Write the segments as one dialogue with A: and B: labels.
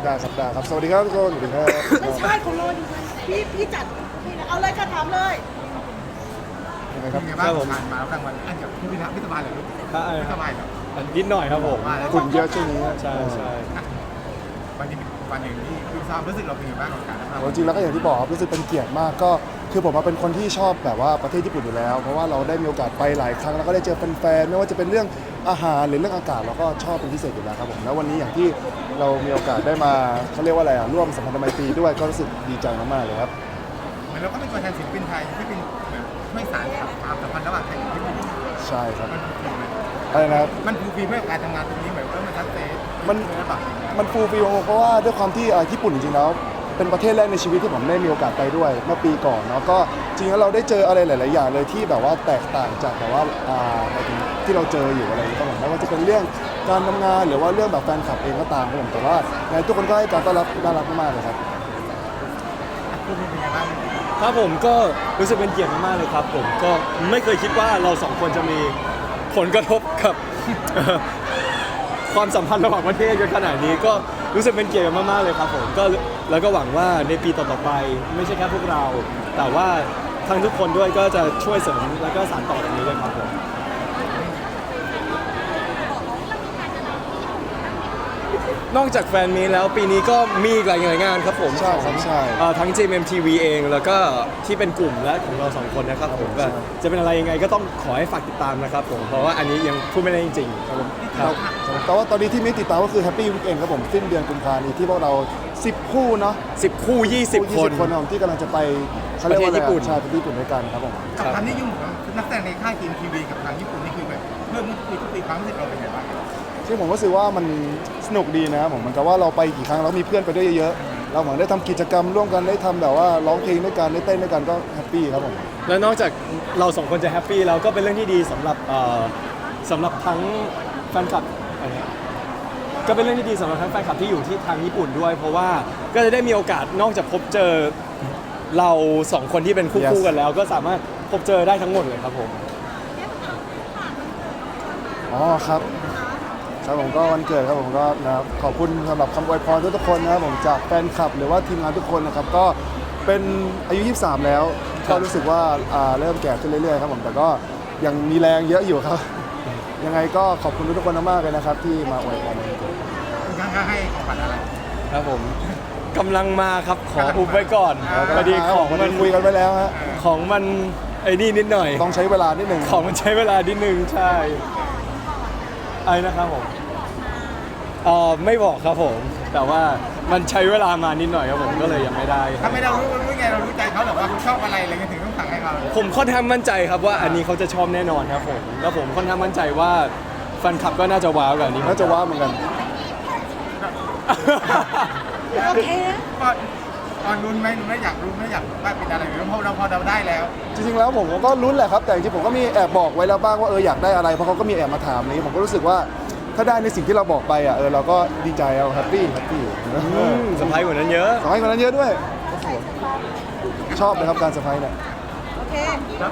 A: ได้ครับได้ครับสวัสดีครับทุกคนสวัสดีครับ
B: ไม่ใช่ของเราอยู่พี่จัดพี่เอาเลยค่ะถามเลย
A: ยังไงครับ
C: เป็นไงบ้างผ่านมาแล้วรางวัลอันเดี๋ยวพี่ไม่สบายเลยลูกไม่สบายเหรอ
D: นิดหน่อยครับผม
C: ว่าแล้ว
A: ฝุ่นเยอะช่วงนี้
D: ใช่ใช่
C: วันนี้วันหนึ่งที่พี่ทราบรู้สึกเราเป็นยังไงบ้างกับการรับราง
A: จ
C: วัล
A: ริงๆแล้วก็อย่างที่บอกครับรู้สึกเป็นเกียรติมากก็คือผมเป็นคนที่ชอบแบบว่าประเทศญี่ปุ่นอยู่แล้วเพราะว่าเราได้มีโอกาสไปหลายครั้งแล้วก็ได้เจอแฟนๆไม่ว่าจะเป็นเรื่องอาหารหรือเรื่องอากาศเราก็ชอบเป็นพิเศษอยู่แล้วครับผมแล้ววันนี้อย่างที่เรามีโอกาสได้มาเขาเรียกว่าอะไรร่วมสัมพันธไมตรีด้วยก็รู้สึกดีใจมากๆเลยครับ
C: เหมือนเราก็เป็นตัวแทนศิลปินไทยที่เป็นเหมือนช่วยสานความสัมพันธ์ระหว่างไทยกับญี่ปุ่น
A: ใช่ครับ
C: มันฟูลไหม
A: อะไรนะครับ
C: มันฟูลฟีเพื่อการทำงานตรงนี้เหมือนว่ามันชัดเจน
A: มัน
C: ระดับ
A: มันฟูลฟิลเพราะว่าด้วยความที่ญี่ปุ่นจริงๆแล้วเป็นประเทศแรกในชีวิตที่ผมได้มีโอกาสไปด้วยเมื่อปีก่อนเนาะก็จริงๆแล้วเราได้เจออะไรหลายๆอย่างเลยที่แบบว่าแตกต่างจากแบบว่าหมายถึงที่เราเจออยู่อะไรอย่างเงี้ยครับผมไม่ว่าจะเป็นเรื่องการทำงานหรือว่าเรื่องแบบแฟนคลับเองก็ตามครับผมแต่ว่าทุกคนก็ให้การต้อนรับน่ารักมากๆเลยครับ
C: ฟูลเป็นยังไงบ้าง
D: ครับผมก็รู้สึกเป็นเกียรติมากๆเลยครับผมก็ไม่เคยคิดว่าเราสองคนจะมีผลกระทบกับ ความสัมพันธ์ระหว่างประเทศกันขนาดนี้ก็รู้สึกเป็นเกียรติมากๆเลยครับผมก็แล้วก็หวังว่าในปีต่อๆไปไม่ใช่แค่พวกเรา แต่ว่าทั้งทุกคนด้วยก็จะช่วยเสริมแล้วก็สานต่อตรงนี้ด้วยครับผมนอกจากแฟนมีตแล้วปีนี้ก็มีอีกหลายงานครับผม
A: ใช่ครับใช่
D: ทั้ง JMTV เองแล้วก็ที่เป็นกลุ่มและของเราสองคนนะครับผมก็จะเป็นอะไรยังไงก็ต้องขอให้ฝากติดตามนะครับผมเพราะว่าอันนี้ยังพูดไม่ได้จริงๆครับผมครับ
A: แต่ว่าตอนนี้ที่มีติดตามก็คือ Happy Weekend ครับผมสิ้นเดือนกุมภาพันธ์นี้ที่พวกเรา10 คู่เนาะ
D: 10 คู่ 20 คน
A: คนครับผมที่กำลังจะไปเขาเรียกว่าอะไร
D: ประเทศญี่ปุ่น
A: ใช่ไปญี่ปุ่นด้วยกันครับผม
C: กับความนิยมของนักแสดงในค่ายทีมทีวีกับทางญี่ปุ่นนี่คือแบบเพิ่มทุกปีความรู้สึกเราเป็นยังไงบ้าง
A: ซึ่งผมก็รู้สึกว่ามันสนุกดีนะครับผมเหมือนกับว่าเราไปกี่ครั้งเรามีเพื่อนไปด้วยเยอะๆเราเหมือนได้ทำกิจกรรมร่วมกันได้ทำแบบว่าร้องเพลงด้วยกันได้เต้นด้วยกันก็แฮปปี้ครับผม
D: แล้วนอกจากเราสองคนจะแฮปปี้แล้วก็เป็นเรื่องที่ดีสำหรับทั้งแฟนคลับอะไรเนี่ยก็เป็นเรื่องที่ดีสำหรับทั้งแฟนคลับที่อยู่ที่ทางญี่ปุ่นด้วย เพราะว่าก็จะได้มีโอกาสนอกจากพบเจอเราสองคนที่เป็นคู่
A: Yes
D: กันแล้ว ก็สามารถพบเจอได้ทั้งหมดเลยครับผม
A: อ๋อครับครับผมก็วันเกิดครับผมก็นะครับขอบคุณสำหรับคำอวยพรทุกๆคนนะครับผมจากแฟนคลับหรือว่าทีมงานทุกคนนะครับก็เป็นอายุ 23 แล้ว
D: ครั
A: ก็
D: บ
A: รู้สึกว่าเริ่มแก่ขึ้นเรื่อยๆครับผมแต่ก็ยังมีแรงเยอะอยู่ครับ ยังไงก็ขอบคุณทุกคนมากๆเลยนะครับที่มาอวยพรวันเกิด
C: คุณข้างให้ของขวัญอะไร
D: ครับผมกำลังมาครับขออุบไว้ก่อน
C: ครับ
D: พอดีของ
A: วัน
D: มั
A: นี้
D: น
A: คุยกันไปแล้วฮะ
D: ของมันไอ้นี่นิดหน่อย
A: ต้องใช้เวลานิดหนึ่ง
D: ของมันใช้เวลานิดนึงใช่อะไรนะครับผมไม่บอกครับผม แต่ว่ามันใช้เวลามานิดหน่อยครับผมก็เลยยังไม่ได้
C: ถ้าไม่เรารู้ไงเรารู้ใจเขาหรอว่าเขาชอบอะไรอะไรเงี้ยถึงต้องสั่งให้เขา
D: ผมค่อนข้างมั่นใจครับว่าอันนี้เขาจะชอบแน่นอนครับผมแล้วผมค่อนข้างมั่นใจว่าแฟนคลับก็น่าจะว้าวกับอันนี้
A: น่าจะว่าเหมือนกัน
B: โอเคนะ
C: ก็ตอนรุ้นไหมไม่อยากรู้ไม่อยากว่าเป็นอะไรหรือพอเราได้แล้ว
A: จริงๆแล้วผมก็ลุ้นแหละครับแต่จริงๆผมก็มีแอบบอกไว้แล้วบ้างว่าอยากได้อะไรเพราะเขาก็มีแอบมาถามนี้ผมก็รู้สึกว่าถ้าได้ในสิ่งที่เราบอกไปเราก็ดีใจเอาแฮปปี้
D: สบายกว่านั้นเยอะ
A: ขอให้คนนั้นเยอะด้วยชอบเลยครับการเซอร์ไพรส์เนี่ย
B: โอเค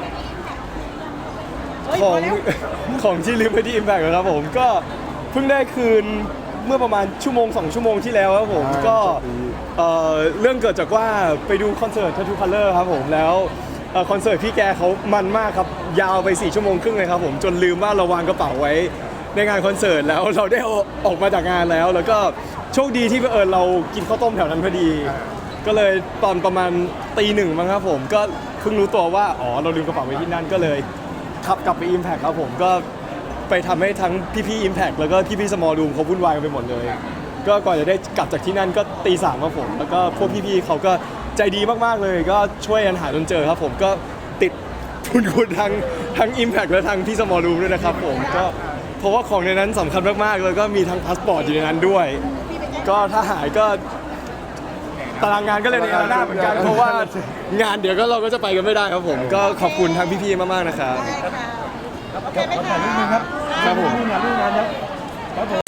B: เฮ้ย
D: ของ
B: พอแล้ว
D: ของที่ลืมไปที่ Impact ครับผมก็เพิ่งได้คืนเมื่อประมาณ1-2 ชั่วโมงที่แล้วครับผมก็เรื่องเกิดจากว่าไปดูคอนเสิร์ต Tattoo Color ครับผมแล้วคอนเสิร์ตพี่แกเขามันมากครับยาวไป4 ชั่วโมงครึ่งเลยครับผมจนลืมว่าเราวางกระเป๋าไว้ในงานคอนเสิร์ตแล้วเราได้ออกมาจากงานแล้วแล้วก็โชคดีที่เรากินข้าวต้มแถวนั้นพอดี ก็เลยตอนประมาณตี 1มั้งครับผมก็เพิ่งรู้ตัวว่าเราลืมกระเป๋าไว้ที่นั่นก็เลยขับกลับไป Impact ครับผมก็ไปทำให้ทั้งพี่ๆ Impact แล้วก็พี่ๆ Small Room เขาวุ่นวายกันไปหมดเลย ก็ก่อนจะได้กลับจากที่นั่นก็ตี 3ครับผมแล้วก็พวกพี่ๆเขาก็ใจดีมากๆเลยก็ช่วยกันหาจนเจอครับผมก็ติดคุณทั้ง Impact และทั้งพี่ Small Room ด้วยนะครับผมก็เพราะว่าของในนั้นสำคัญมากๆแล้วก็มีทั้งพาสปอร์ตอยู่ในนั้นด้วย ก็ถ้าหายก็ตารางงานก็เลยในหน้าเหมือนกันเพราะว่างานเดี๋ยวก็เราก็จะไปกันไม่ได้ครับผมก็ขอบคุณทั้งพี่ๆมากๆนะครับ
B: ได้ค่ะโอเคไหมคะ
D: ครับผม
C: รูปงานครับ